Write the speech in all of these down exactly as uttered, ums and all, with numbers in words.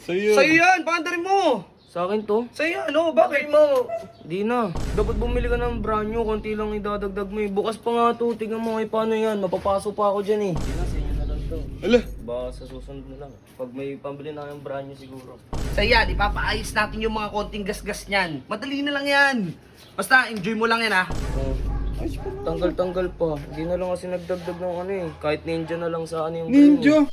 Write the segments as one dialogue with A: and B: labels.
A: Sa'yo.
B: Sa'yo yan, paandarin mo.
C: Sa akin to?
B: Sa'yo ano, bakit mo?
C: Di na. Dapat bumili ka ng brand new, konti lang idadagdag mo eh. Bukas pa nga to, tingnan mo kay paano yan. Mapapasok pa ako dyan eh. Di na, sa inyo na lang to.
A: Ala.
C: Baka sa susunod na lang. Pag may pambili na kayong brand new siguro.
B: Sa'yo yan, ipapaayos natin yung mga konting gasgas niyan. Madali na lang yan. Basta, enjoy mo lang yan ha.
C: Oh. Tanggal-tanggal pa. Hindi na lang kasi nagdagdag ng ano eh. Kahit ninja na lang sa ano yung
A: Ninja.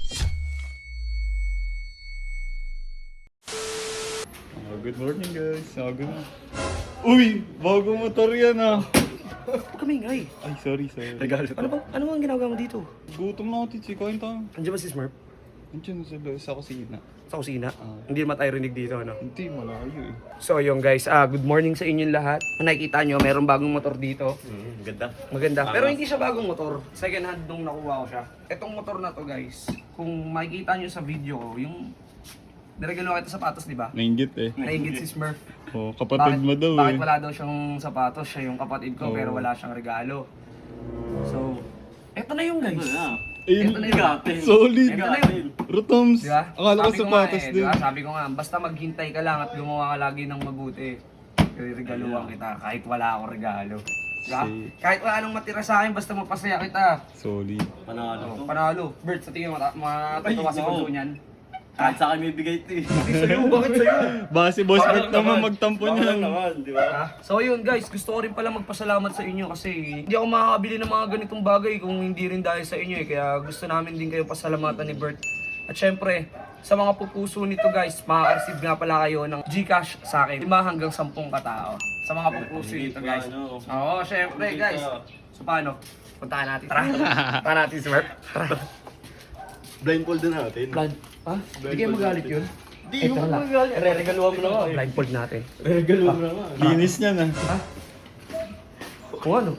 A: Oh, good morning guys. Oh, good morning. Uy, bagong motor yan ah.
B: Huwag kami ingay.
A: Ay, sorry, sorry.
B: Ano bang, ano bang ginagawa mo dito?
A: Gutom na ako, Titsi. Kain tayo.
B: Andiyan ba si Smurf?
A: Andiyan sa, sa kusina.
B: Sa kusina?
A: Ah.
B: Hindi naman tayo rinig dito, ano?
A: Hindi, malayo eh.
B: So yung guys, ah good morning sa inyong lahat. Kung nakikita nyo, mayroong bagong motor dito.
C: Mm, ganda.
B: Maganda. Pero hindi siya bagong motor. Second hand nung nakuha ko siya. Etong motor na to guys, kung makikita nyo sa video ko, yung niregalo kita sapatos, di ba?
A: Nainggit eh.
B: Nainggit si Smurf.
A: Oh, kapatid mo daw
B: bakit
A: eh.
B: wala daw siyang sapatos? Siya yung kapatid ko,
A: Oo.
B: pero wala siyang regalo. So, eto na yung guys.
A: Ayun,
B: Eto na yung
A: solid.
B: Eto na yung
A: Rotoms.
B: Di ba?
A: Akala ko
B: Sabi nga
A: sapatos
B: eh,
A: din.
B: di ba? Sabi ko nga, basta maghintay ka lang at gumawa ka lagi ng mabuti. Regaluhan kita kahit wala akong regalo. Di ba?
A: See.
B: Kahit wala nang matira sa akin, basta mapasaya kita.
A: Solid.
B: Panalo. Panalo. Bert, sa tingin mo, mata- matatawa si Bunso niyan.
C: Kahit sa akin may bigay ito eh.
B: Hindi sa'yo, bakit sa'yo?
A: Baka si Boss Bert naman magtampo niyan.
C: di ba?
B: Ha? So yun guys, gusto ko rin pala magpasalamat sa inyo kasi hindi ako makakabili ng mga ganitong bagay kung hindi rin dahil sa inyo eh. Kaya gusto namin din kayo pasalamatan ni Bert. At syempre, sa mga pupuso nito guys, makaka-receive nga pala kayo ng Gcash sa akin. lima hanggang sampung katao. Sa mga pupuso nito guys. Oo, syempre guys. So paano? Puntahan natin. Tara. Puntahan natin si Bert.
C: Blindfold din natin.
B: Blind. Ha? Hindi kayo magalit yun?
C: Di mo magalit. Re-regaluhan mo na nga.
B: Blindfold natin.
C: Re-regaluhan mo na nga.
A: Linis niya na.
B: Ha? Kung ano?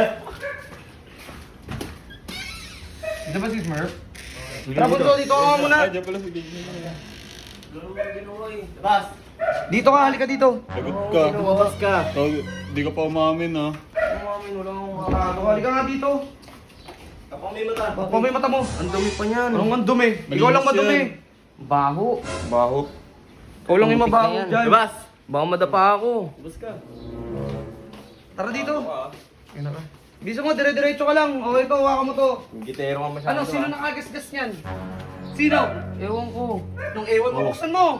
B: Dito ba si Smurf? Tara Bunso, dito ka muna.
A: Ay, dyan pala si Gigi.
C: Bas!
B: Dito ka, halika dito.
A: Lagot ka.
C: Lumabas ka.
A: Oh, di ka pa umamin ah.
C: Umamin, wala akong
B: Dito,
C: makakato.
B: halika nga dito.
C: Ako may mata.
B: Baka may mata mo.
C: Ang dumi pa niyan.
B: Anong ang dumi? Ikaw lang
A: Malinis
B: madumi.
A: yan.
B: Baho.
C: Baho.
B: Ikaw lang yung mabaho
C: Putik na yan.
B: dyan.
C: Bas! Baka madapa ako. Bas ka.
B: Tara dito. Yan na ka. Bisa mo, dire-diretso ka lang. O ito, hawakan mo to.
C: Gitero ka masyado.
B: Ano, sino nakagasgas niyan? Sino?
C: Ewan ko.
B: Nung ewan mo, buksan mo.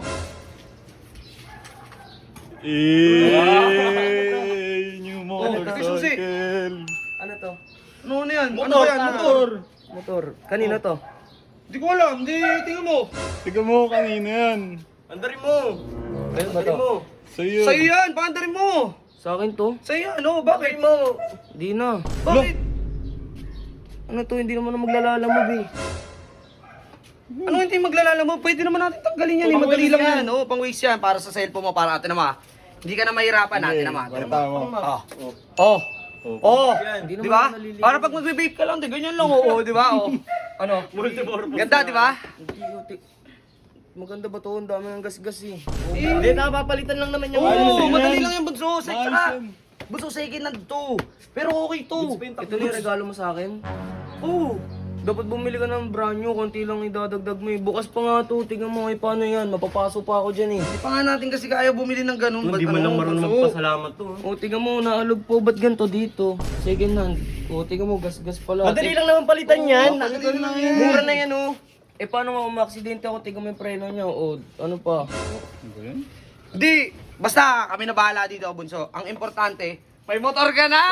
A: Eh, new motorcycle.
C: Ano to?
B: Ano na yan? Ano
C: Motor,
B: ba yan?
C: ano?
B: Motor.
C: Motor. Kanino to?
B: Hindi ko alam. Hindi, tingnan mo.
A: Tiga mo kanina yan.
C: Andarin mo!
B: Ayun ba
C: Andarin
B: to?
C: mo!
A: Sa'yo.
B: Sa'yo yan, paandarin mo.
C: Sa akin to?
B: Sa'yo, ano? Bakit?
C: mo! Di na.
B: Bakit?
C: Ano to? Hindi naman na maglalalamog eh.
B: Ano hindi maglalala mo? Pwede naman natin tanggalin yan. Eh. Madali lang yan. Oh, pang waste yan. Para sa cellphone mo, para natin naman. Hindi ka na mahirapan natin naman.
A: Para tama.
B: Oh. Oh. Oh.
C: Hindi
B: Di
C: naman
B: ba?
C: naliligo.
B: Para pag magbe-vape ka lang, di ganyan lang. Oo, di ba? Oh. Ano? Ganda, di ba?
C: Hindi ko ti- Maganda ba to? Ang dami ng gas-gas eh.
B: Eh,
C: Hindi, nakapapalitan lang naman yung
B: Oo,
A: Ayos yan.
B: madali lang yan, bunso. Sa
A: Ayos
B: tsaka.
A: yan.
B: Bunso, second hand to. Pero okay to.
C: Ito na yung regalo mo sa akin.
B: Oo.
C: Dapat bumili ka ng brand new, konti lang idadagdag mo eh. Bukas pa nga to, tingnan mo kay paano yan. Mapapasok pa ako dyan eh.
B: Hindi pa nga natin kasi kaya bumili ng ganun.
C: Hindi
B: Ba't
C: man lang
B: ano,
C: marunong
B: bunso?
C: magpasalamat to.
B: oh.
C: O, tingnan mo, naalog po. Ba't ganito dito? Second hand. O, tingnan mo, gas-gas pala.
D: Madali lang naman palitan yan.
B: Madali lang yan.
D: Mura na yan oh.
C: Eh, paano nga umaksidente ako? Tingnan mo yung preno niya. O, ano pa?
A: Ano ba yan?
B: Di, basta kami na bahala dito, bunso. Ang importante, may motor ka na!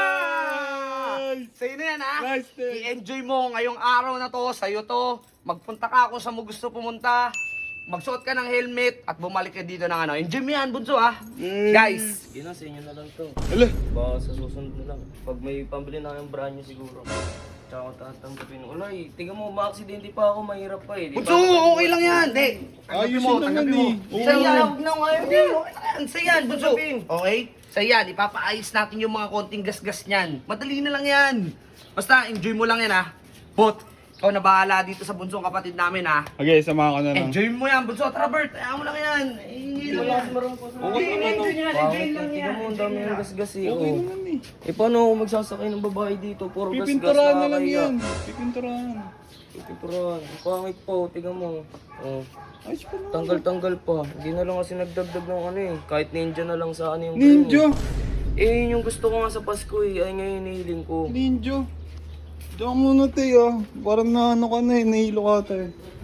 B: Sa'yo na yan, ha?
A: Nice, Ted.
B: I-enjoy mo ngayong araw na to, sa'yo to. Magpunta ka kung saan mo gusto pumunta. Magsuot ka ng helmet at bumalik ka dito ng ano. Enjoy mo yan, bunso, ha? Guys,
C: Sige na, sa inyo na lang to.
A: Ala.
C: Baka sa susunod na lang. Pag may pambili na kayong brand new siguro. Tsaka ko tatanggapin. Wala eh, tingnan mo, maaksidente pa ako, mahirap pa eh. Di ba?
B: bunso, okay lang yan. Di, tanggapin
A: Ayos
B: mo,
A: yun naman
B: tanggapin mo.
A: eh. Oo.
B: Sa'yo yan, huwag na ngayon. Hindi, okay lang yan. Sa'yo yan, bunso.
C: Tanggapin.
B: Okay? Sa'yo yan, ipapaayos natin yung mga konting gasgas niyan. Madali na lang yan. Basta, enjoy mo lang yan, ha? Bot, ikaw na bahala dito sa bunsong kapatid namin, ha?
A: Okay, samahan ka na lang.
B: Enjoy mo yan, bunso. Tara, Bert. Ayaw mo lang yan. Hindi lang yan.
C: Okay
B: Hindi,
C: naman to.
B: enjoy yan.
C: Bakit?
B: Enjoy lang yan.
C: Tingnan mo, ang dami ng gas-gas eh.
A: Okay
C: oh.
A: naman eh.
C: Eh, paano ako magsasakay ng babae dito? Puro gas-gas
A: Pipinturahan na lang
C: nakakaya.
A: yan. Pipinturahan.
C: Pipinturahan. Ang pangit po, tingnan mo. Oh.
A: Ayos pa na.
C: Tanggal-tanggal pa. Hindi na lang kasi nagdagdag ng ano eh. Kahit ninja na lang sa ano yung
A: Ninja!
C: Eh, yun yung gusto ko nga sa Pasko eh. Ay nga yung hinihiling ko.
A: Ninja! Diyan ka muna, te, ah. Parang na ano ka na eh, nahilo ka, te.